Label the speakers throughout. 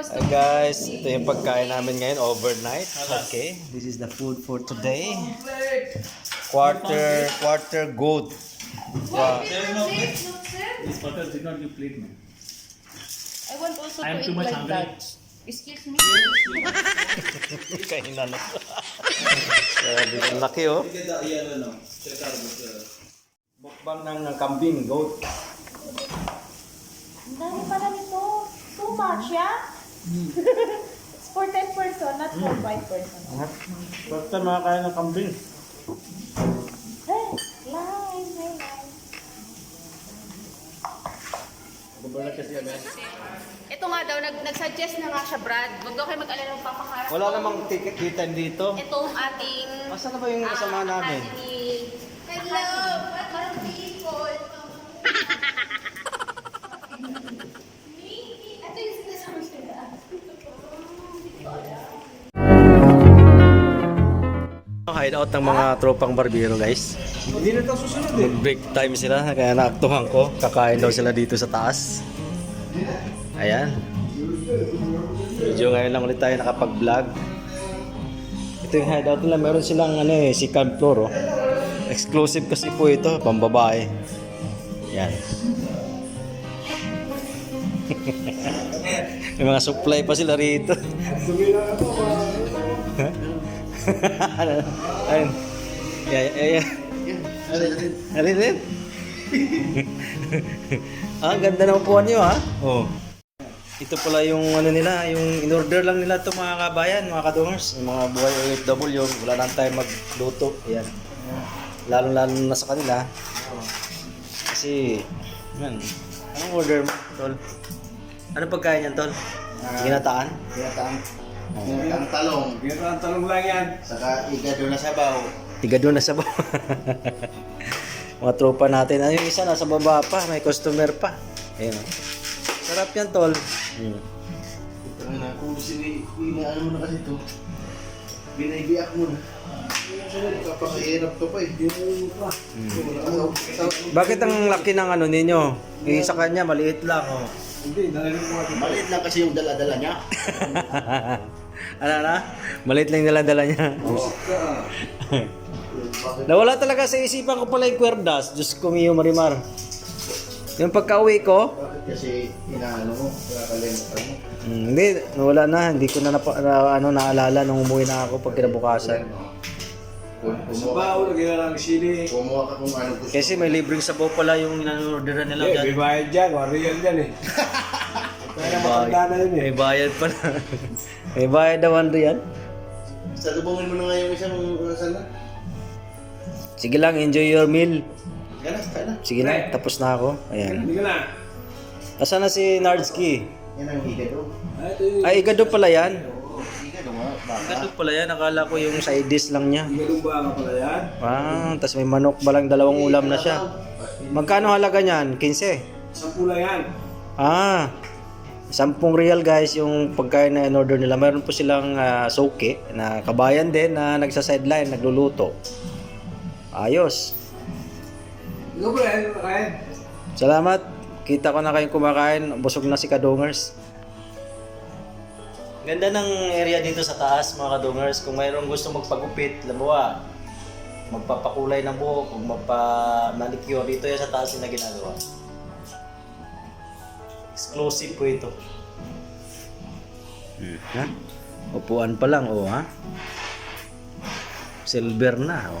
Speaker 1: Hi guys, ito yung pagkain namin ngayon overnight. Okay, this is the food for today. Quarter goat. Wow.
Speaker 2: This butter did not give plate, man.
Speaker 3: I want also
Speaker 2: I am
Speaker 3: to
Speaker 2: too
Speaker 3: eat
Speaker 2: much
Speaker 3: like
Speaker 2: hungry.
Speaker 3: that. Excuse me.
Speaker 1: Kainan na. Ang laki oh. Mukbang ng kambing, goat.
Speaker 3: Ang dami pala nito. Too much, yeah? It's for 10 person, not for 5 person.
Speaker 1: Basta makakain ng kambing.
Speaker 3: Hey, live, hey, live. Ito nga daw, nag-suggest na nga siya, Brad. Huwag daw kayo mag-alala ng papakarap.
Speaker 1: Wala namang ticket kita dito.
Speaker 3: Itong ating...
Speaker 1: Asan na ba yung kasama namin?
Speaker 3: Hello, mga people. Ito yung sinasabi siya.
Speaker 1: Hideout ng mga tropang barbero guys.
Speaker 2: Hindi na ito susunod eh.
Speaker 1: Break time sila, kaya naaktuhan ko. Kakain daw sila dito sa taas. Ayan. Medyo ngayon lang ulit tayo nakapag-vlog. Ito yung hideout nila. Meron silang second floor. Oh. Exclusive kasi po ito, pambabae. Ayan. May mga supply pa sila rito. Ayun. Yeah. Alin. Ang ganda ng upuan nyo ha. Oh. Ito pala yung nila, yung in-order lang nila to mga kabayan, mga kadungers, yung mga buhay OFW, wala nang time magluto. Ayan. Lalo na sa kanila. Kasi, man, anong order mo, tol? Ano pagkain yan, tol? Ginataan?
Speaker 4: Ang talong,
Speaker 2: Ang talong lang yan.
Speaker 4: saka igado na sabaw.
Speaker 1: Tiga doon na sa baba. Mga tropa natin. Ano yung isa nasa baba pa, may customer pa. Ayun. Oh. Sarap yan, tol.
Speaker 4: Ito na, kung ano mo na kasi ito, binaibiyak mo na. Kapakahirap to pa eh.
Speaker 1: Bakit ang laki ng ano ninyo? Yung sa kanya, maliit lang. Oh.
Speaker 2: Hindi, nalalim ko ito.
Speaker 4: Maliit lang kasi yung dala-dala niya.
Speaker 1: Ano na? Maliit lang yung dala niya. Nawala talaga sa isipan ko pala yung kwerdas. Diyos ko, Mio Marimar. Yung pagka-uwi ko,
Speaker 4: Bakit kasi inaano mo, nakakalimutan mo.
Speaker 1: hindi, nawala na. Hindi ko na, naalala nung umuwi na ako pag kinabukasan.
Speaker 2: Sabaw, lagyan lang ng sili.
Speaker 4: Kumuha ka kung ano gusto.
Speaker 1: Kasi may libreng sabaw pala yung in-orderan nila dyan.
Speaker 2: May bayad dyan, real dyan eh. Kaya matanda na yun eh.
Speaker 1: May bayad pala. May bayad daw yan.
Speaker 4: Salubungin mo na nga yung isang sana.
Speaker 1: Sige lang, enjoy your meal.
Speaker 4: Gana, kaya na.
Speaker 1: Sige lang, tapos na ako. Ayan.
Speaker 2: Hindi ka na.
Speaker 1: Asan na si Nardski?
Speaker 4: Yan ang igado.
Speaker 2: Ito yung
Speaker 1: Ay, igado pala yan.
Speaker 4: Igado nga, baka.
Speaker 1: Igado pala yan. Akala ko yung side dish lang niya.
Speaker 2: galong baka pala yan.
Speaker 1: Ah, tas may manok balang dalawang ulam na siya. Magkano halaga niyan? 15?
Speaker 2: 10 lang yan.
Speaker 1: Ah, 10 real guys yung pagkain na in-order nila. Meron po silang soke na kabayan din na nagsa-sideline, nagluluto. Ayos.
Speaker 2: Ikaw ba yan? Ryan?
Speaker 1: Salamat. Kita ko na kayong kumakain. Busog na si Kadungers. Ganda ng area dito sa taas mga Kadungers. Kung mayroong gusto magpagupit, labawa, magpapakulay ng buhok, kung magpa-manicure, dito yan sa taas yung na ginagawa. Exclusive po ito. Ha? Upuan pa lang, oh ha? Silver na, oh.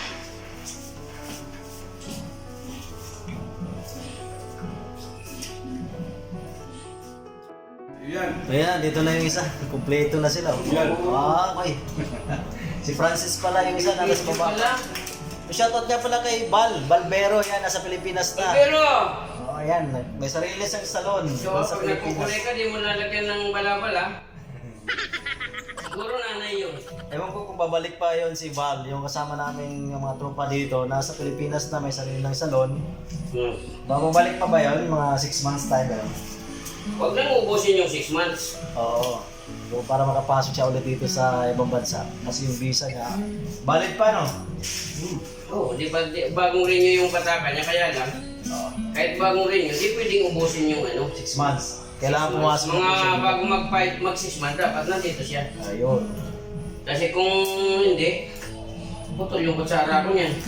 Speaker 2: Yan.
Speaker 1: Ayan, dito na yung isa. Kompleto na sila. Ah, okay. Si Francis pala yung isa, nasa baba. Shoutout niya pala kay Balbero, yan, nasa Pilipinas na.
Speaker 5: Pero,
Speaker 1: Oh, ayan, may sarili siyang salon
Speaker 5: so
Speaker 1: doon sa
Speaker 5: pag nagkukulay
Speaker 1: Pilipinas.
Speaker 5: ka, di mo lalagyan ng bala-bala. Siguro nanay yun.
Speaker 1: Ewan ko kung babalik pa yon si Val, yung kasama namin yung mga tropa dito, nasa Pilipinas na may sarili ng salon. Babalik pa ba yon mga 6 months time? Pero?
Speaker 5: Huwag nang ubusin yung 6 months.
Speaker 1: Oo. So, para makapasok siya ulit dito sa ibang bansa. Kasi yung visa niya, valid pa no?
Speaker 5: Oo, bagong renew yung pataka niya, kaya lang, kahit bagong renew, di pwedeng ubusin yung
Speaker 1: 6 months. Kailangan pumasok na po siya.
Speaker 5: Mga bago mag 6 months, dapat nandito siya.
Speaker 1: Ayun.
Speaker 5: Kasi kung hindi, putol yung kutsara ko niyan.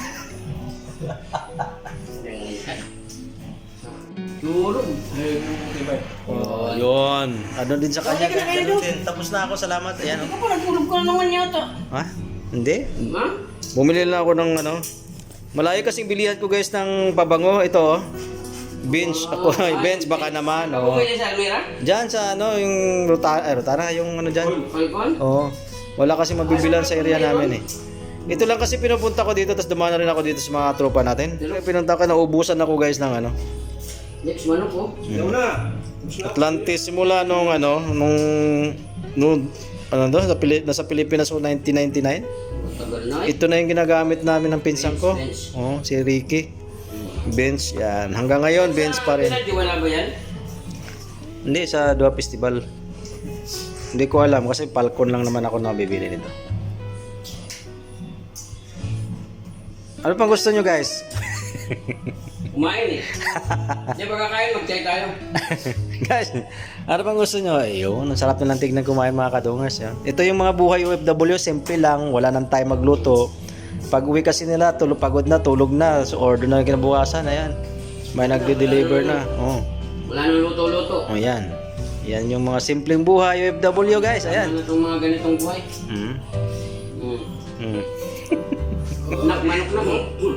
Speaker 2: Tulog.
Speaker 1: Oh, yun. Ano din sa kanya, ganun din. Tapos na ako, salamat. Ayan,
Speaker 5: Ikaw pa, nagtulog ka na naman yata.
Speaker 1: Ha? Hindi.
Speaker 5: Ha?
Speaker 1: Bumili lang ako ng ano. Malayo kasing bilihan ko guys ng pabango. Ito oh. Bench. Ako, bench baka naman.
Speaker 5: Ako
Speaker 1: Oh.
Speaker 5: bumili sa Almira?
Speaker 1: Diyan sa ano, yung Rotara, yung ano dyan.
Speaker 5: Falcon?
Speaker 1: Oo. Wala kasi mabibilan sa area namin eh. Ito lang kasi pinupunta ko dito, tapos dumaan na rin ako dito sa mga tropa natin. Kaya pinunta ko, naubusan ako guys ng ano.
Speaker 5: Next month po.
Speaker 2: Ikaw na.
Speaker 1: Atlantis simula nung ano, ano do, nasa Pilipinas o 1999.
Speaker 5: Tagal na eh.
Speaker 1: Ito na yung ginagamit namin ng pinsan ko.
Speaker 5: Bench.
Speaker 1: Oh, si Ricky. Bench, yan. Hanggang ngayon, bench pa rin.
Speaker 5: Pinadiwala ba yan?
Speaker 1: Hindi, sa Dua Festival. Hindi ko alam kasi Falcon lang naman ako nabibili nito. Ano pang gusto nyo guys?
Speaker 5: Kumain eh. Di ba kakain, mag-try tayo.
Speaker 1: Guys, ano pang gusto nyo? Ayun, ang sarap nilang tignan kumain mga kadungers. Yan. Ito yung mga buhay OFW, simple lang, wala nang time magluto. Pag uwi kasi nila, pagod na, tulog na, so order na kinabukasan, ayan. May nagde-deliver na. Oh.
Speaker 5: Wala nang luto-luto.
Speaker 1: Oh, yan. Yan yung mga simpleng buhay OFW guys, ayan.
Speaker 5: Ano itong mga ganitong buhay?
Speaker 1: Mm.
Speaker 5: Hmm.
Speaker 1: Mm.
Speaker 5: Manok na mo.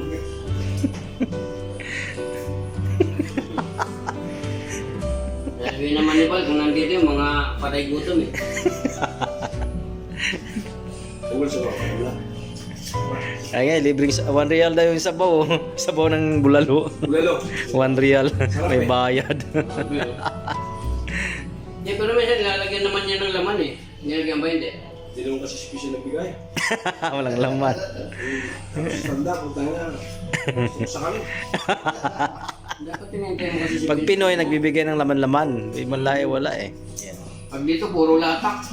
Speaker 5: Sabi naman ni Paul, kung nandito yung mga patay gutom eh.
Speaker 2: Tungkol sa mga wala.
Speaker 1: Ay nga, libreng 1 real daw yung sabaw. Sabaw ng bulalo.
Speaker 2: Bulalo.
Speaker 1: 1 real. May bayad.
Speaker 5: Eh, pero minsan nilalagyan naman niya ng laman eh. Nilagyan ba hindi?
Speaker 2: Hindi naman kasi special na bigay.
Speaker 1: Walang laman.
Speaker 2: Tanda, kung tayo na. Sa kami.
Speaker 5: Dapat tinintay mo kasi si
Speaker 1: Pag Pinoy, nagbibigay ng laman-laman. Di man lahi, wala eh. Yan.
Speaker 5: Pag dito, puro latak.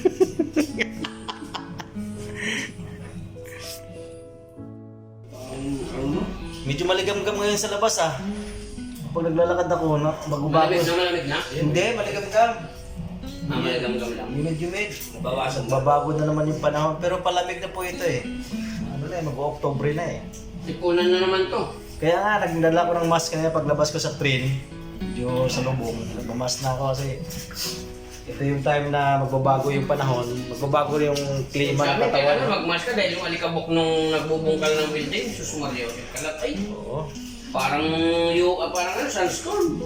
Speaker 1: Medyo maligam-gam ngayon sa labas ah. Pag naglalakad ako, bago-bago.
Speaker 5: Malamig na malamig na.
Speaker 1: Hindi, maligam-gam.
Speaker 5: Maligam-gam lang.
Speaker 1: Humid-humid. Babago na naman yung panahon. Pero palamig na po ito eh. Ano na eh, mag-October na eh.
Speaker 5: Tipunan na naman to.
Speaker 1: Kaya nga, nagdala ko ng mask kanina paglabas ko sa train. Medyo sa lubong. Nagmamask na ako kasi ito yung time na magbabago yung panahon. Magbabago yung klima ng
Speaker 5: Sabi, kaya
Speaker 1: katawan.
Speaker 5: magmask ka dahil yung alikabok nung nagbubungkal ng building, susumaryo. Kalat ay,
Speaker 1: Oo.
Speaker 5: parang parang ano, sunstorm.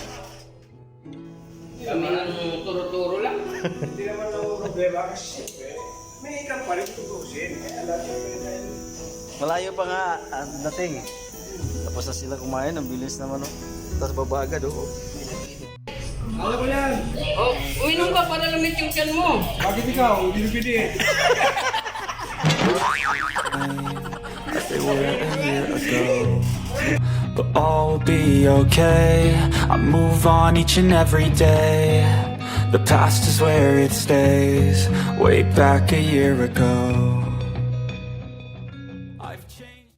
Speaker 5: Kami ng turo-turo lang.
Speaker 2: Hindi naman ako problema kasi siyempre, may ikang pa rin tutusin. Alam niyo dahil
Speaker 1: Malayo pa nga ang dating. Tapos na sila kumain, ang bilis naman oh. Tapos baba agad oh.
Speaker 2: alam mo yan.
Speaker 5: Oh, uminom ka para lamig yung tiyan mo.
Speaker 2: Bakit ikaw? Hindi mo pwede.
Speaker 6: But all will be okay. I move on each and every day. The past is where it stays. Way back a year ago.